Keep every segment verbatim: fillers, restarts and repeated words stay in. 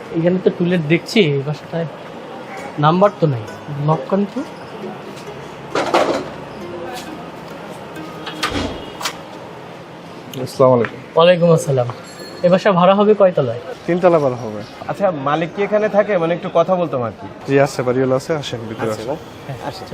এখানে তো টুলেট দেখছি এই বাসাটায় নাম্বার তো নাই, লক করেন তো। আসসালামু আলাইকুম। ওয়ালাইকুম আসসালাম। এ বাসা ভাড়া হবে কয়তলায়? তিনতলা ভাড়া হবে। আচ্ছা, মালিক কি এখানে থাকে? মানে একটু কথা বলতাম আর কি। জি আছে, বাড়িওয়ালা আছে, আসেন ভিতরে আসেন। হ্যাঁ আচ্ছা।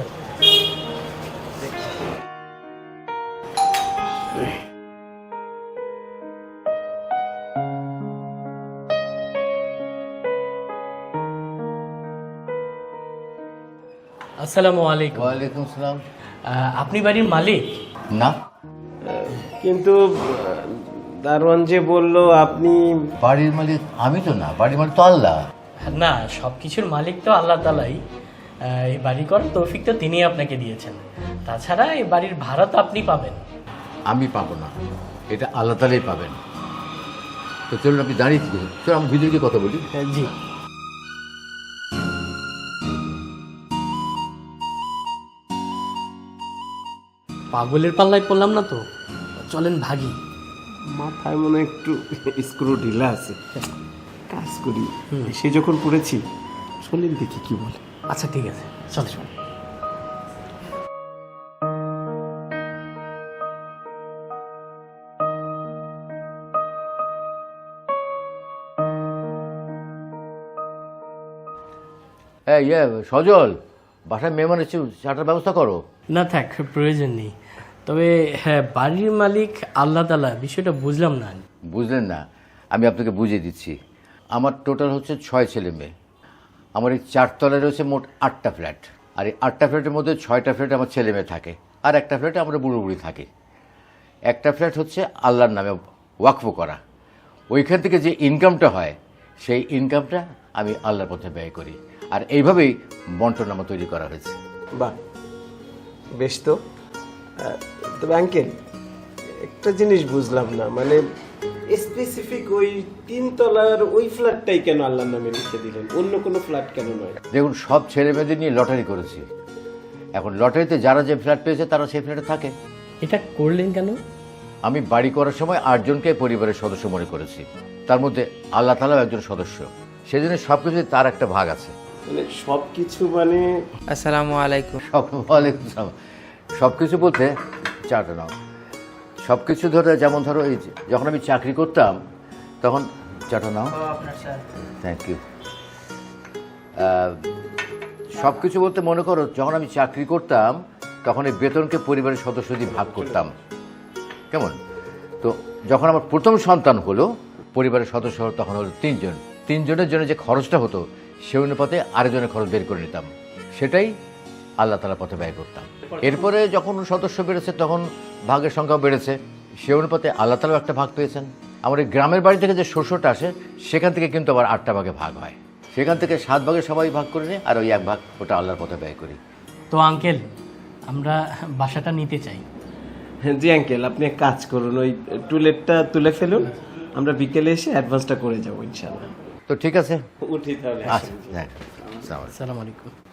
আসসালামু আলাইকুম। ওয়ালাইকুম সালাম। আহ, আপনি বাড়ির মালিক? না, কিন্তু দারোয়ান যে বললো আপনি। বাড়ির মালিক আমি তো না, বাড়ির মালিক তো আল্লাহ। না, সব কিছুর মালিক তো আল্লাহ তালাই। আহ, এই বাড়ি করার তৌফিক তো তিনি আপনাকে দিয়েছেন। তাছাড়া এই বাড়ির ভাড়া তো আপনি পাবেন। আমি পাবো না, এটা আল্লাহ তালাই পাবেন। তো চলুন, আপনি দাঁড়িয়ে থেকে চলুন, আমি ভিতরে গিয়ে কথা বলি। জি। পাগলের পাল্লায় পড়লাম না তো, চলেন ভাগি। মাথায় মনে হয় একটু স্ক্রু ঢিলা আছে, কাজ করি। সে যখন পড়েছি, শোনেন দেখি কি বলে। আচ্ছা ঠিক আছে, চল চল। হ্যাঁ ইয়ে সজল, বাসায় মেহমান এসে চাটার ব্যবস্থা করো। না থাক, প্রয়োজন নেই। তবে হ্যাঁ, বাড়ির মালিক আল্লাহ তাআলা, বিষয়টা বুঝলাম না। বুঝলেন না? আমি আপনাকে বুঝিয়ে দিচ্ছি। আমার টোটাল হচ্ছে ছয় ছেলে মেয়ে। আমার এই চারতলায় রয়েছে মোট আটটা ফ্ল্যাট, আর এই আটটা ফ্ল্যাটের মধ্যে ছয়টা ফ্ল্যাটে আমার ছেলে মেয়ে থাকে, আর একটা ফ্ল্যাটে আমরা বুড়ো বুড়ি থাকি। একটা ফ্ল্যাট হচ্ছে আল্লাহর নামে ওয়াকফ করা। ওইখান থেকে যে ইনকামটা হয়, সেই ইনকামটা আমি আল্লাহর পথে ব্যয় করি। আর এইভাবেই বন্টনামা তৈরি করা হয়েছে। বাহ, বেশ তো। আহ, তবে আঙ্কেল, একটা জিনিস বুঝলাম না, মানে স্পেসিফিক ওই তিনতলার ওই ফ্ল্যাটটাই কেন আল্লাহর নামে লিখে দিলেন, অন্য কোনো ফ্ল্যাট কেন নয়? দেখুন, সব ছেলে মেয়েদের নিয়ে লটারি করেছি। এখন লটারিতে যারা যে ফ্ল্যাট পেয়েছে তারা সেই ফ্ল্যাটে থাকে। এটা করলেন কেন? আমি বাড়ি করার সময় আটজনকে পরিবারের সদস্য মনে করেছি, তার মধ্যে আল্লাহ তাআলাও একজন সদস্য। সেজন্য সব কিছু তার একটা ভাগ আছে। মানে সব কিছু মানে। আসসালামু আলাইকুম। সব ওয়ালাইকুম আসসালাম। সব কিছু বলতে চাটা নাও। সব কিছু ধরে, যেমন ধরো এই যে যখন আমি চাকরি করতাম তখন চাটা নাও। Thank you. সব কিছু বলতে মনে করো, যখন আমি চাকরি করতাম তখন এই বেতনকে পরিবারের সদস্য দিয়ে ভাগ করতাম। কেমন? তো যখন আমার প্রথম সন্তান হলো, পরিবারের সদস্য হলো তখন হলো তিনজন। তিনজনের জন্য যে খরচটা হতো, সে অনুপাতে আরেকজনের খরচ বের করে নিতাম, সেটাই আল্লাহ তাআলার পথে ব্যয় করতাম। এরপরে যখন সদস্য বেড়েছে তখন ভাগের সংখ্যাও বেড়েছে, সে অনুপাতে আল্লাহ তাআলাও একটা ভাগ পেয়েছেন। আমার এই গ্রামের বাড়ি থেকে যে শস্যটা আসে, সেখান থেকে কিন্তু আবার আটটা ভাগে ভাগ হয়। সেখান থেকে সাত ভাগে সবাই ভাগ করে নিই, আর ওই এক ভাগ ওটা আল্লাহর পথে ব্যয় করি। তো আঙ্কেল, আমরা বাসাটা নিতে চাই। জি আঙ্কেল, আপনি এক কাজ করুন, ওই টুলেটটা তুলে ফেলুন, আমরা বিকেলে এসে অ্যাডভান্সটা করে যাবো ইনশাআল্লাহ। তো ঠিক আছে, উঠি তাহলে। আচ্ছা, হ্যাঁ, আসসালামু আলাইকুম। আসসালামু আলাইকুম।